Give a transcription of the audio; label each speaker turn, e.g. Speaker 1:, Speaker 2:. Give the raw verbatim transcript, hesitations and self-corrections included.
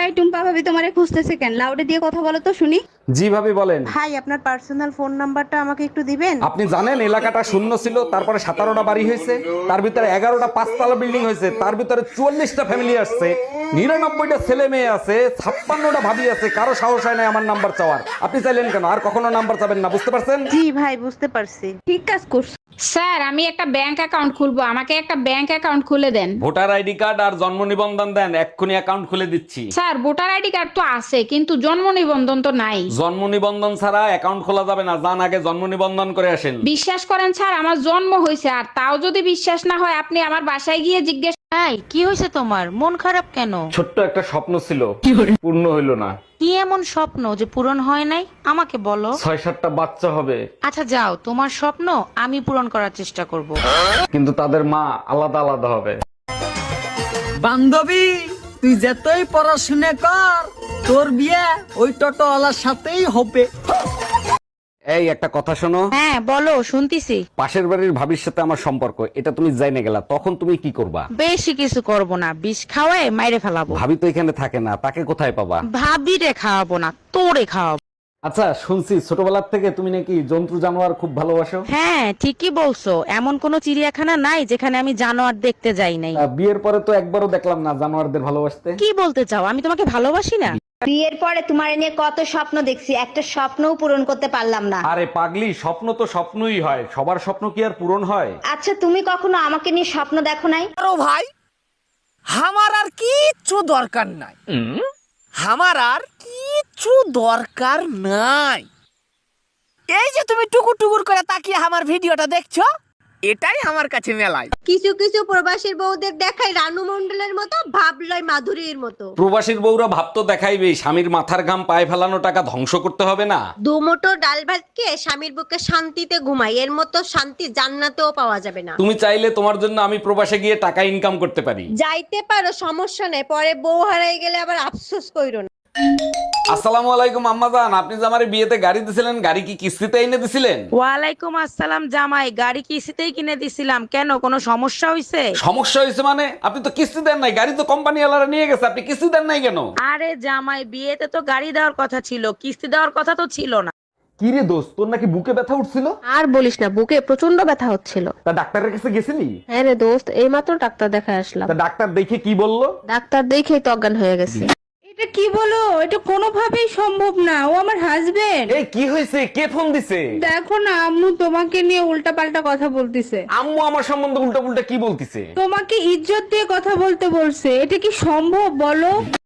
Speaker 1: এই টুম্পা ভাবি তোমারে খুঁজতেছে কেন? লাউডে দিয়ে কথা বলো তো শুনি।
Speaker 2: জি ভাবি বলেন।
Speaker 3: ভাই আপনার পার্সোনাল ফোন নাম্বারটা আমাকে একটু দিবেন?
Speaker 2: আপনি জানেন এলাকাটা শূন্য ছিল, তারপরে সতেরোটা বাড়ি হয়েছে, তার ভিতরে এগারোটা পাঁচতলা বিল্ডিং হয়েছে, তার ভিতরে চুয়াল্লিশটা ফ্যামিলি আসছে, নিরানব্বইটা ছেলে মেয়ে আছে, ছাপ্পান্নটা ভাবি আছে, কারো সাহস হয় না আমার নাম্বার চাওয়ার। আপনি চাইলেন কেন? আর কখনো নাম্বার চাবেন না, বুঝতে পারছেন?
Speaker 3: জি ভাই বুঝতে পারছি।
Speaker 1: ঠিক কাজ করছো।
Speaker 4: স্যার আমি একটা ব্যাংক অ্যাকাউন্ট খুলবো, আমাকে একটা ব্যাংক অ্যাকাউন্ট খুলে দেন।
Speaker 2: ভোটার আইডি কার্ড আর জন্ম নিবন্ধন দেন, এক্ষুনি অ্যাকাউন্ট খুলে দিচ্ছি।
Speaker 4: স্যার ভোটার আইডি কার্ড তো আছে কিন্তু জন্ম নিবন্ধন তো নাই।
Speaker 2: জন্ম নিবন্ধন ছাড়া অ্যাকাউন্ট খোলা যাবে না, যান আগে জন্ম নিবন্ধন করে আসেন।
Speaker 4: বিশ্বাস করেন স্যার আমার জন্ম হয়েছে, আর তাও যদি বিশ্বাস না হয় আপনি আমার বাসায় গিয়ে জিজ্ঞেস।
Speaker 3: ভাই কি হয়েছে তোমার? মন খারাপ কেন?
Speaker 2: ছোট্ট একটা স্বপ্ন ছিল, পূর্ণ হইল না।
Speaker 3: কি এমন স্বপ্ন যে পূরণ হয় নাই আমাকে বলো।
Speaker 2: ছয় সাতটা বাচ্চা হবে,
Speaker 3: আচ্ছা যাও, তোমার স্বপ্ন আমি পূরণ করার চেষ্টা করব।
Speaker 2: কিন্তু তাদের মা আলাদা আলাদা হবে।
Speaker 5: বান্ধবী তুই যতই পড়াশুনে কর, তোর বিয়ে ওই টোটোওয়ালার সাথেই হবে।
Speaker 2: এই একটা কথা শোনো,
Speaker 3: হ্যাঁ বলো, শুনতিছি।
Speaker 2: পাশের বাড়ির ভাবির সাথে আমার সম্পর্ক, এটা তুমি জাইনে গেলা, তখন তুমি কি করবা?
Speaker 3: বেশি কিছু করব না, বিষ খাওয়ায় মাইরে ফেলাবো।
Speaker 2: ভাবি তো এখানে থাকে না, তাকে কোথায় পাবা?
Speaker 3: ভাবিরে খাওয়াবো না, তোরে খাওয়াবো।
Speaker 2: আচ্ছা শুনছি ছোটবেলার থেকে তুমি নাকি জন্তু জানোয়ার খুব ভালোবাসো।
Speaker 3: হ্যাঁ ঠিকই বলছো, এমন কোনো চিড়িয়াখানা নাই যেখানে আমি জানোয়ার দেখতে যাই নাই।
Speaker 2: আহ, বিয়ের পরে তো একবারও দেখলাম না জানোয়ারদের ভালোবাসতে।
Speaker 3: কি বলতে চাও, আমি তোমাকে ভালোবাসি না?
Speaker 6: বিয়ের পরে তোমার নিয়ে কত স্বপ্ন দেখছি, একটা স্বপ্নও পূরণ করতে পারলাম না।
Speaker 2: আরে পাগলি, স্বপ্ন তো স্বপ্নই হয়, সবার স্বপ্ন কি আর পূরণ হয়?
Speaker 6: আচ্ছা তুমি কখনো আমাকে নিয়ে স্বপ্ন দেখো নাই?
Speaker 5: আরো ভাই, আমার আর কিচ্ছু দরকার নাই, আমার আর কিচ্ছু দরকার নাই। এই যে তুমি টুকুর টুকুর করে তাকিয়ে আমার ভিডিওটা দেখছো, এটাই আমার কাছে মেলায়।
Speaker 7: কিছু কিছু প্রবাসীর বউদের দেখায় রানু মন্ডলের মতো, ভাবলয় মাধুরীর মতো।
Speaker 2: প্রবাসীর বউরা ভাব তো দেখাইবে, স্বামীর মাথার ঘাম পায়ে ফেলানো টাকা ধ্বংস করতে হবে না।
Speaker 7: দুমুঠো ডাল ভাত খেয়ে স্বামীর বুকে শান্তিতে ঘুমাই, এর মতো শান্তি জান্নাতেও পাওয়া যাবে না।
Speaker 2: তুমি চাইলে তোমার জন্য আমি প্রবাসে গিয়ে টাকা ইনকাম করতে পারি।
Speaker 7: যাইতে পারো, সমস্যা নেই, পরে বউ হারাই গেলে আবার আফসোস কইরো না।
Speaker 2: আসসালামু আলাইকুম আম্মাজান, আপনি যে আমার বিয়েতে গাড়ি দিছিলেন, গাড়ি কি কিস্তিতে এনে দিছিলেন?
Speaker 3: ওয়ালাইকুম আসসালাম জামাই, গাড়ি কিস্তিতেই কিনে দিছিলাম। কেন, কোনো সমস্যা হয়েছে?
Speaker 2: সমস্যা হয়েছে মানে? আপনি তো কিস্তি দেন নাই, গাড়ি তো কোম্পানি ওয়ালারা নিয়ে গেছে, আপনি কিস্তি দেন নাই কেন?
Speaker 3: আরে জামাই, বিয়েতে তো গাড়ি দেওয়ার কথা ছিল, কিস্তি দেওয়ার কথা তো ছিল না।
Speaker 2: কি রে দোস্ত, তোর নাকি বুকে ব্যথা উঠছিল?
Speaker 8: আর বলিস না, বুকে প্রচন্ড ব্যথা হচ্ছিল।
Speaker 2: তা ডাক্তারের কাছে গেছিলি?
Speaker 8: হ্যাঁ রে দোস্ত, এইমাত্র ডাক্তার দেখায় আসলাম।
Speaker 2: তা ডাক্তার দেখে কি বললো?
Speaker 8: ডাক্তার দেখেই তো অজ্ঞান হয়ে গেছে।
Speaker 1: এটা কি বলো? এটা কোনোভাবেই সম্ভব না, ও আমার হাজবেন্ড।
Speaker 2: এই কি হয়েছে, কে ফোন দিছে?
Speaker 1: দেখো না, আম্মু তোমাকে নিয়ে উল্টাপাল্টা কথা বলতিছে।
Speaker 2: আম্মু আমার সম্বন্ধে উল্টা পুল্টা কি বলতিছে?
Speaker 1: তোমাকে ইজ্জত দিয়ে কথা বলতে বলছে, এটা কি সম্ভব বলো?